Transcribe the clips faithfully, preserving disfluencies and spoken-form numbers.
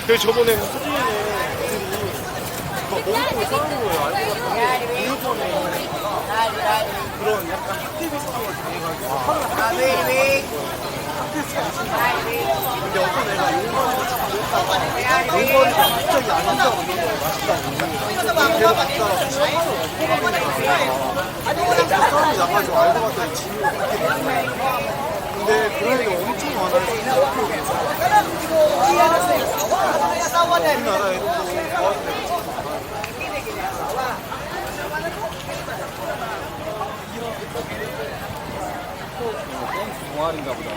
그래서 저번에 수진이네 애들이 막 먹고 싸우는 거예요. 알고 봤더니 교육원에 그런 약간 학대비 사고가 당해가지고 학교에서 가르치는 근데 어떤 애가 용건에서 자꾸 했다가 용건이가 갑자기 안 한다고 이런 거 맛있다고 걔가 갔다가 싸움이 나가지고 알고 봤더니 진이가 그렇게 된 거예요. 근데 그런 애가 엄청 많아요. 우리나라 애들도 좋아하는 애가 동아리인가 보다.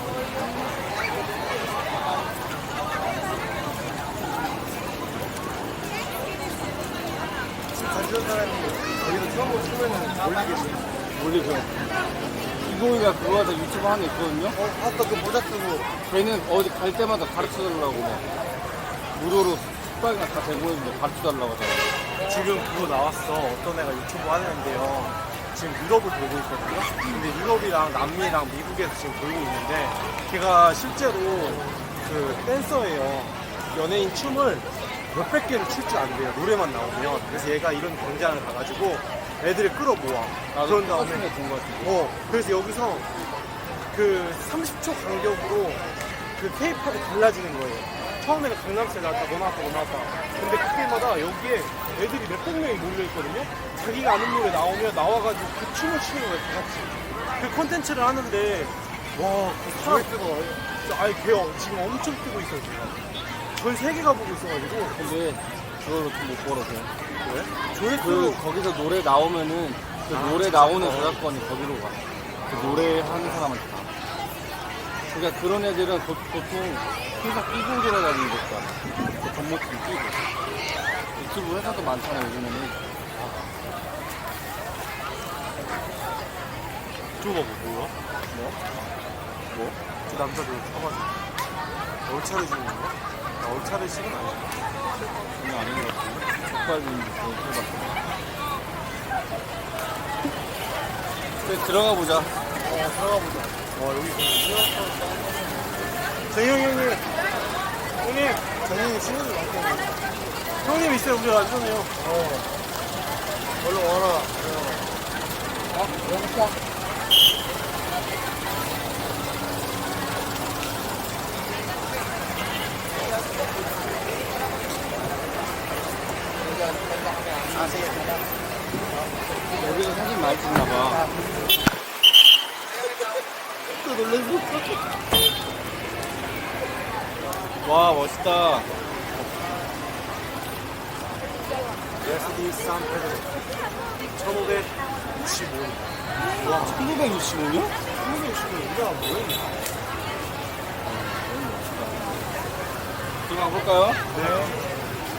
가지던 사람이 여기서 처음으로 쓰면은 올리겠지. 올리죠. 이동이가 그거 하다 유튜브 하나 있거든요? 어, 아까 그 모자 쓰고. 걔는 어디 갈 때마다 가르쳐달라고 막 무료로 숙박이나 다 제공해주는데 가르쳐달라고 하잖아요. 지금 그거 나왔어. 어떤 애가 유튜브 하는데요. 지금 유럽을 돌고 있거든요. 근데 유럽이랑 남미랑 미국에서 지금 돌고 있는데 걔가 실제로 그 댄서예요. 연예인 춤을 몇백 개를 출 줄 안 돼요. 노래만 나오면. 그래서 얘가 이런 경쟁을 가가지고 애들을 끌어모아. 그런 다음에 본것 같은데. 어, 그래서 여기서 그 삼십 초 간격으로 그 케이팝이 달라지는 거예요. 처음에는 강남스타일 나왔다, 너 나왔다, 너 나왔다. 근데 그때마다 여기에 애들이 몇백 명이 몰려있거든요? 자기가 아는 노래 나오면 나와가지고 그 춤을 추는 거예요, 다 같이. 그 컨텐츠를 하는데, 와, 그 사람, 진짜 아예 걔 지금 엄청 뜨고 있어요, 제가. 전 세계가 보고 있어가지고. 근데 그걸로 좀 못 벌어서. 왜? 그 조회수, 거기서 노래 나오면은 그 아, 노래 진짜? 나오는 어. 저작권이 거기로 가. 그 노래 하는 사람한테 가. 그러니까 그런 애들은 보, 보통 회사 끼고 돌아다니는 것도 그 겉모습 끼고. 유튜브 회사도 많잖아요, 요즘에는. 저거 뭐, 뭐야? 뭐? 뭐? 그 남자들 쳐가지고. 얼차려 주는 건가? 나 얼차려 식은 아니야. 전혀 아닌 것 같은데. 족발인지 해봤어. 그래, 들어가 보자. 어, 들어가 보자. 와, 여기 진짜. 정영 형님. 형님. 정영이 친구들 많거든요. 형님 있어요, 우리 안전해요. 어. 얼른 와라. 어? 여기 있어. 여기서 사진 많이 찍나봐. 또 놀랐어. 와, 멋있다. 에스디 산페드로 천오백육십오 년. 와, 천구백육십오 년? 천오백육십오 년 우리나라 뭐야? 들어가 볼까요? 네.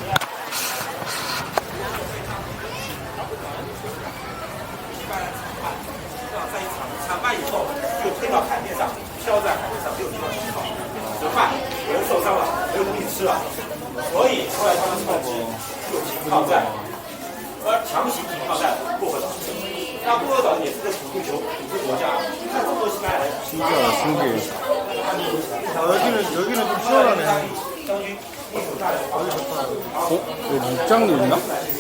在一场参半以后，就推到海面上，漂在海面上，没有地方吃好吃饭，有人受伤了，没有东西吃了，所以后来他们趁机就停靠在，呃，强行停靠在薄荷岛。那薄荷岛也是个土著球土著国家，你看这么多西班牙人， 신기하다, 신기해. 아, 여기는, 여기는 좀 시원하네. 将军为首大人保证 어? 여기 입장료 있나?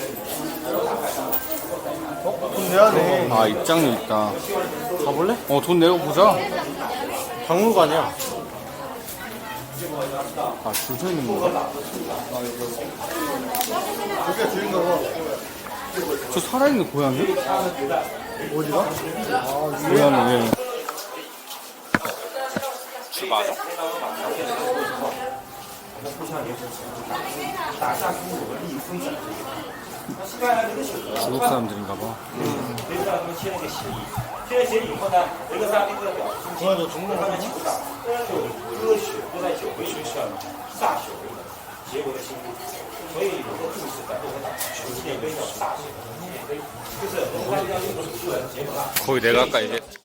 어? 돈 내야네. 아, 입장료 있다. 가볼래? 어, 돈 내고 보자. 박물관이야. 아, 줄 서 있는 건가? 여기가 주인가 봐. 저 살아있는 고양이? 어디가? 아, 고양이, 예. 줄 맞아? 打下中国利益分子。那西班牙人的选择， 중국 사람들인가 봐. 没知道他们签了个协议，签了协议以后呢，维克萨那个表中间，他们球场就歌曲都在酒杯学校歃血为盟，结为了心路。所以有个故事在波荷岛有纪念碑叫歃血纪念碑，就是文化要用的主人结盟了。 거기 내가 아까 얘기했